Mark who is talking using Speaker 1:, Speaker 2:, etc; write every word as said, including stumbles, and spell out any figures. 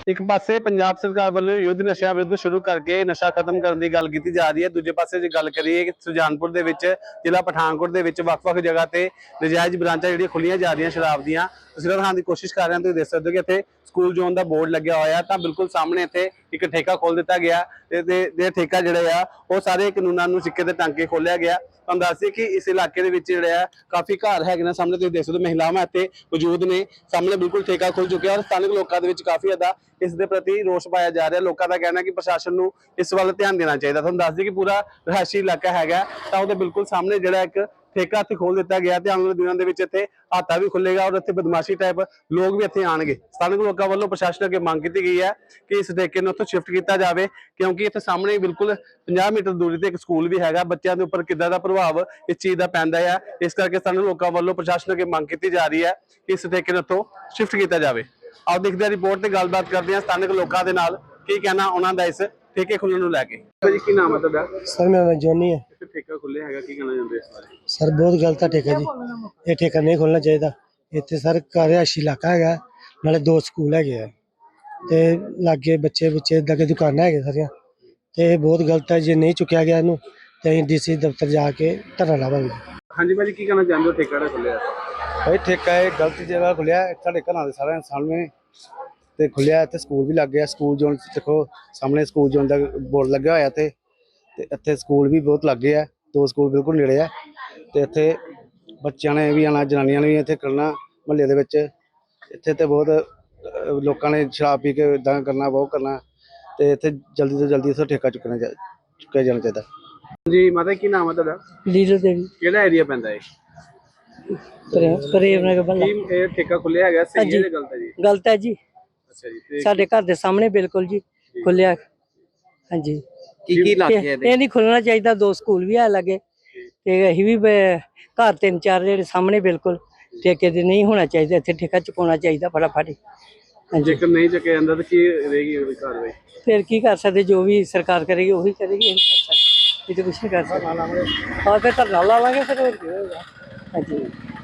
Speaker 1: एक पासे पंजाब सरकार वालों युद्ध नशा विरुद्ध शुरू करके नशा खत्म करने की गल की जा रही है। दूजे पासे जो गल करिए कि सुजानपुर दे विच जिला पठानकोट दे विच वख-वख जगह ते नजायज़ ब्रांचा जिहड़ियां खुलियां जा रही शराब दियां तस्वीरां दिखाने की कोशिश कर रहे हैं। तुसीं देख सकते हो कि इत्थे स्कूल जोन का बोर्ड लग्या होया तां बिल्कुल सामने इत्थे एक ठेका खोल दिता गया ते ठेका जिहड़ा आ वो सारे कानूनां नूं सिक्के ते टांके खोलिया गया। तुहानूं दस दईए कि इस इलाके दे विच जिहड़े आ काफ़ी घर हैगे ने। सामने तुसीं देख सकते हो महिलावां इत्थे मौजूद ने। सामने बिल्कुल ठेका खुल चुका है और स्थानिक लोकां दे विच काफ़ी ज़्यादा इस दे प्रति रोष पाया जा रहा है। लोगों का कहना है कि प्रशासन नूं इस वाल ध्यान देना चाहिए। तुहानूं दस दईए कि पूरा रिहायशी इलाका हैगा तां उहदे बिल्कुल सामने जिहड़ा एक ठेका इत्थे खोल दिता गया ते आने वाले दिनों दे विच इत्थे हाता भी खुलेगा और इत्थे बदमाशी टाइप लोग भी इत्थे आउणगे। स्थानिक लोगों वालों प्रशासन अगे मांग की गई है कि इस ठेके नूं उत्थों शिफ्ट किया जाए क्योंकि इत्थे सामने बिल्कुल पचास मीटर दूरी ते एक स्कूल भी हैगा। बच्चों के उपर किद्दां दा प्रभाव इस चीज़ का पैंदा है, इस करके स्थानिक लोगों वालों प्रशासन अगे मांग की जा रही है कि इस ठेके नूं उत्थों शिफ्ट किया जाए। आओ देखते हैं रिपोर्ट से गलबात करते हैं स्थानिक लोगों के नाल की कहना उन्हों का इस ठेके खुलने को लैके। जी की नाम है तुहाडा?
Speaker 2: सर मेरा नाम जॉनी है।
Speaker 1: ठेका खुलिया है की कहना चाहते इस बारे?
Speaker 2: सर बहुत गलत है ठेका जी, ये ठेका नहीं खोलना चाहिए। इतने सर रिहायशी इलाका है, नाले दो स्कूल है ते लागे बच्चे बुच्चे लगे दुकाना है सारिया ते बहुत गलत है। जे नहीं चुकया गया इनू तो डी सी दफ्तर जाके धरना लावांगे।
Speaker 1: हाँ जी भाजी की कहना चाहते हो ठेका खुलिया?
Speaker 3: भाई ठेका है गलत जगह खुलिया साढ़े घर के सारे सामने ते खुलिया। इत्थे स्कूल भी लग गया। स्कूल जोन देखो सामने स्कूल जोन का बोर्ड लग्या होया ते इत्थे स्कूल भी बहुत लग गए है। दो स्कूल बिल्कुल नेड़े है ते इत्थे बच्चों ने भी आना, जनानियां ने भी इत्थे करना। महल्ले दे विच इत्थे ते बहुत लोगों ने शराब पी के इदां करना, बहुत करना ते इत्थे जल्दी तो जल्दी इत्थों ठेका चुकना चुकया जाना चाहिए।
Speaker 1: जी माता की नाम है तुहाडा?
Speaker 2: लीडर देवी
Speaker 1: किहड़ा एरिया पैंदा है?
Speaker 2: प्रेम नगर बल्ला।
Speaker 1: की ये ठेका खुलिया हैगा सही है या गलत है जी?
Speaker 2: गलत है जी,
Speaker 1: अच्छा जी ते
Speaker 2: साडे घर दे सामने बिल्कुल जी खुलिया। हाँ जी
Speaker 1: की की लाके है
Speaker 2: ये नहीं खुलना चाहिए। दो स्कूल भी है लगे ते असीं भी घर तीन चार जेहड़े सामने बिल्कुल ठेके दे नहीं होना चाहिए। इत्थे ठेका चुकाना चाहिए फटाफट। हाँ जी
Speaker 1: जेकर नहीं चुकया जांदा तो की रहेगी ओदी कार्रवाई?
Speaker 2: फिर की कर सकते, जो भी सरकार करेगी वही करेगी। ये तो कुछ नहीं कर सकते। और फिर धरना ला लांगे फिर। हाँ जी।